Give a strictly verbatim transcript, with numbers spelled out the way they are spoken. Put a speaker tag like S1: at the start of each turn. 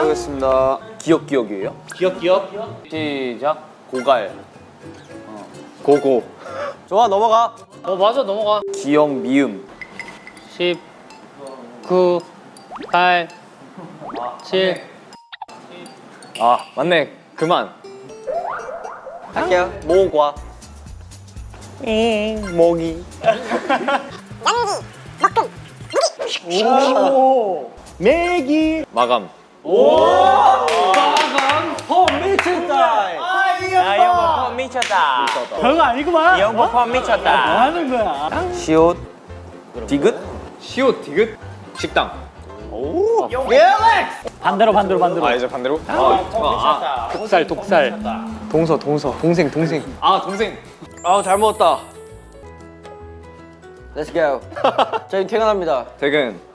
S1: 해보겠습니다. 기억 기억이에요?
S2: 기억 기억.
S1: 시작. 고갈. 어. 고고.
S3: 좋아 넘어가.
S2: 어 맞아 넘어가.
S1: 기억 미음.
S2: 십, 구, 팔, 칠.
S1: 아 맞네. 그만.
S3: 할게요. 모과.
S1: 잉 모기.
S3: 매기.
S1: 마감.
S3: 어 미쳤다.
S4: 아, 이형 펌 미쳤다.
S2: 별거 아니구만.
S4: 이 형 펌 미쳤다.
S2: 뭐 하는 거야?
S1: 시옷. 디귿. 시옷 디귿. 식당.
S2: 반대로 반대로 반대로.
S1: 아 이제 반대로. 아, 아, 아
S2: 독살 독살.
S1: 동서 동서 동생 동생. 아 동생.
S3: 아잘 먹었다. Let's go. 저희 퇴근합니다.
S1: 퇴근.